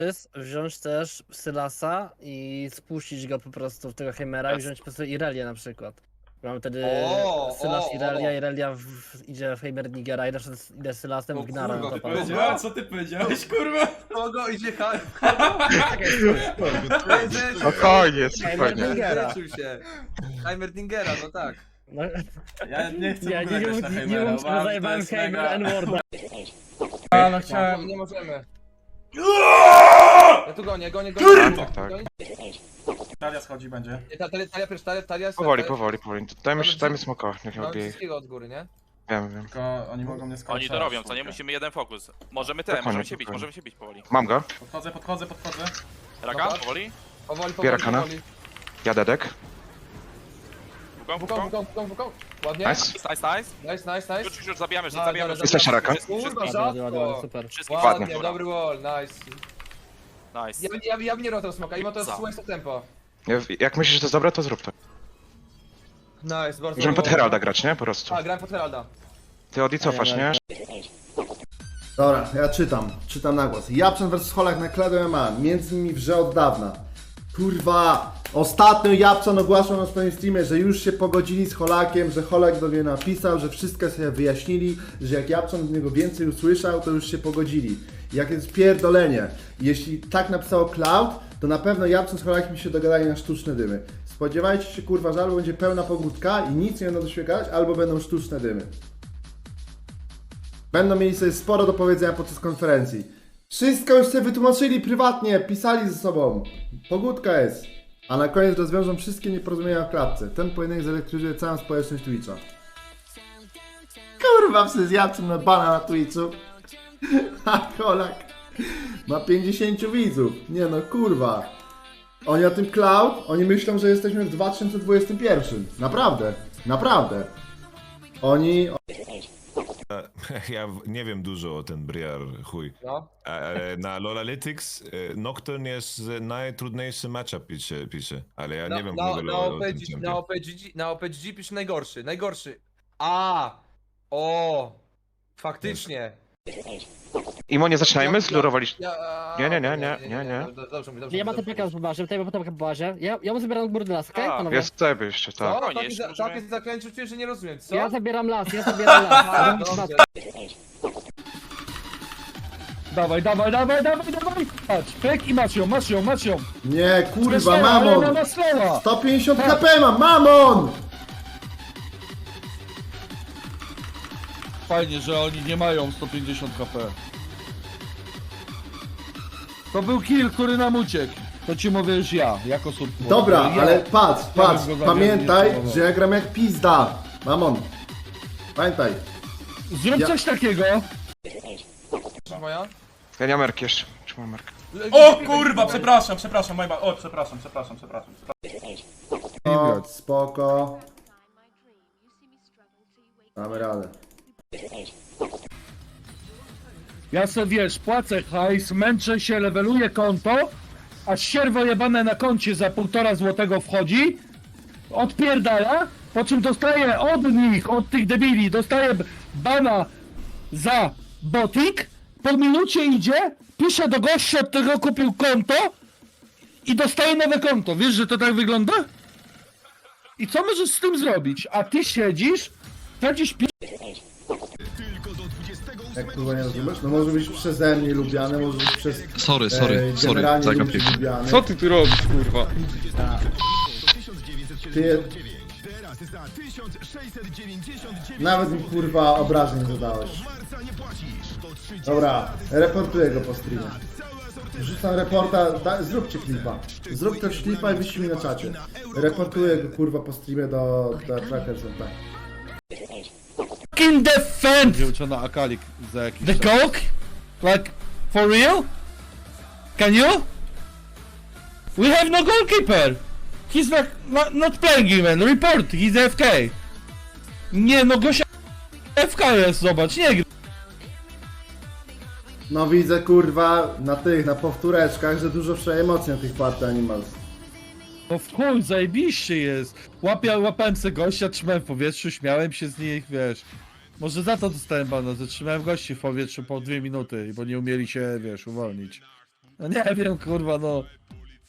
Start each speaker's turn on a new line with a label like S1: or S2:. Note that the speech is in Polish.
S1: wziąć też Sylasa i spuścić go po prostu w tego Heimera i wziąć po prostu Irelię na przykład. Mamy wtedy Sylas Irelia idzie w Heimer Nigera i też idę Sylasem w Gnara na topa.
S2: Powiedziałem, co ty powiedziałeś, kurwa?
S3: Kogo idzie
S4: Spokojnie,
S1: Heimer
S4: spokojnie.
S1: Nigera.
S3: się. Heimerdingera, no tak.
S1: No,
S2: Ja nie chcę
S1: ja
S2: w ogóle
S1: nie
S2: grać na
S1: mów, nie
S2: Heimera,
S1: mów, że
S2: uważam, że to
S1: zajebałem
S2: jest
S1: Heimer
S2: mega...
S1: N-Worda.
S2: A, no chciałem...
S3: Nie możemy. Ja tu gonię.
S4: Tak, tak.
S2: Talia schodzi będzie.
S3: Talia
S4: Powoli. Dajmy smoka, niech
S3: Mamy
S4: odbije.
S3: wszystkiego od góry, nie?
S4: Wiem.
S2: Tylko oni mogą mnie skończyć.
S5: Oni to robią, co nie? Musimy jeden fokus. Możemy
S4: Spokojnie,
S5: możemy
S4: spokojnie.
S5: się bić powoli.
S4: Mam go.
S2: Podchodzę.
S5: Raka,
S3: Dobra.
S5: powoli.
S4: Biera kana. Ja dedek.
S3: Wukong. Ładnie.
S4: Nice.
S3: Nice.
S5: Już zabijamy,
S3: Dobra,
S5: zabijamy.
S3: dobra,
S4: Jesteś Raka?
S3: Kurwa,
S1: Ładnie, super.
S5: Wszystkich
S4: Ładnie.
S3: Ładnie, dobry wall, nice.
S5: Nice.
S3: Ja bym nie rotał smoka, i ma to
S5: Za.
S3: słońce tempo.
S4: Jak myślisz, że to jest dobre, to zrób to.
S3: Nice, bardzo
S4: Możemy pod Heralda grać, nie? Po prostu.
S3: A, grałem pod Heralda.
S4: Ty Odi cofasz, nie?
S6: Dobra, ja czytam na głos. Japczan vs Holak na Clado MMA, między nimi wrze od dawna. Kurwa, ostatnio Japczan ogłaszał na swoim streamie, że już się pogodzili z Holakiem, że Holak do mnie napisał, że wszystko sobie wyjaśnili, że jak Japczan od niego więcej usłyszał, to już się pogodzili. Jakie jest pierdolenie. Jeśli tak napisało Cloud, to na pewno Japczan z Holakiem się dogadali na sztuczne dymy. Spodziewajcie się, kurwa, że albo będzie pełna pogódka i nic nie będą doświadczać, albo będą sztuczne dymy. Będą mieli sobie sporo do powiedzenia podczas konferencji. Wszystko już sobie wytłumaczyli prywatnie, pisali ze sobą. Pogódka jest. A na koniec rozwiążą wszystkie nieporozumienia w klatce. Ten pojedynek zelektryzuje całą społeczność Twitcha. Kurwa, przez Japczan na bana na Twitchu. A Holak ma 50 widzów. Nie no, kurwa. Oni o tym Cloud, oni myślą, że jesteśmy w 2021. Naprawdę. Oni...
S7: Ja nie wiem dużo o ten Briar, chuj.
S3: No.
S7: Ale na LoLalytics Nocturne jest najtrudniejszy matchup pisze, ale ja nie wiem w ogóle o tym czempie.
S3: Na OPG pisze najgorszy. Faktycznie.
S4: Imo, nie zaczynajmy? Zlurowaliście. Nie.
S3: Dobrze.
S1: Ja mam ten PK po bazie, tutaj mam ten PK po bazie. Ja mu zabieram górny las, okej?
S5: A,
S1: Panowie?
S4: Jest sobie jeszcze, tak.
S5: Spokojnie, jeszcze możemy-
S3: Tak jest zakręcił, że nie rozumiem, co?
S1: Ja zabieram las.
S3: Dobrze.
S8: Dawaj. Patrz, pek i masz ją.
S6: Nie, kurwa,
S8: Ona
S6: mamon!
S8: ma slowa.
S6: 150 HP mam, mamon!
S8: Fajnie, że oni nie mają 150 HP. To był kill, który nam uciekł. To ci mówię już ja, jako sub.
S6: Dobra,
S8: ja,
S6: ale patrz,
S8: bym go zabił,
S6: pamiętaj,
S8: nie próbował.
S6: że ja gram jak pizda. Mamon. Pamiętaj.
S8: Zrób
S6: ja-
S8: coś takiego.
S3: Moja?
S4: Ja nie mam merki jeszcze. Czy mam merkę?
S2: O kurwa, przepraszam, moja ba... O, przepraszam.
S6: O, spoko. Damy radę.
S8: Ja sobie wiesz, płacę hajs, męczę się, leveluję konto, a sierwo jebane na koncie za 1,5 złotego wchodzi, odpierdala, po czym dostaję od nich, od tych debili, dostaję bana za botik, po minucie idzie, pisze do gościa, od którego kupił konto i dostaje nowe konto. Wiesz, że to tak wygląda? I co możesz z tym zrobić? A ty siedzisz, tracisz
S6: Jak kurwa nie rozumiesz? No może być przeze mnie lubiane, może być przez...
S9: Sorry,
S6: generalnie
S9: zagapię.
S6: ludzi lubiane.
S9: Co ty tu robisz, kurwa?
S6: Ty... Nawet mi kurwa obrażeń nie zadałeś. Dobra, reportuję go po streamie. Rzucam reporta, zróbcie klipa. Zrób też klipa i wyślij mi na czacie. Reportuję go kurwa po streamie do Trackers tak.
S8: fucking defend
S9: Wyuczona Akalik za jakiś
S8: the coke? Like, for real? Can you? We have no goalkeeper! He's not playing even, report, he's AFK. Nie, no gościa AFK jest, zobacz, nie gra.
S6: No widzę kurwa na powtóreczkach, że dużo emocji na tych party animals.
S8: No w chuj, zajebiście jest. Łapałem se gościa, trzymałem w powietrzu, śmiałem się z nich, wiesz. Może za to dostałem bana, że trzymałem gości w powietrzu po 2 minuty, bo nie umieli się, wiesz, uwolnić. No nie wiem, kurwa, no.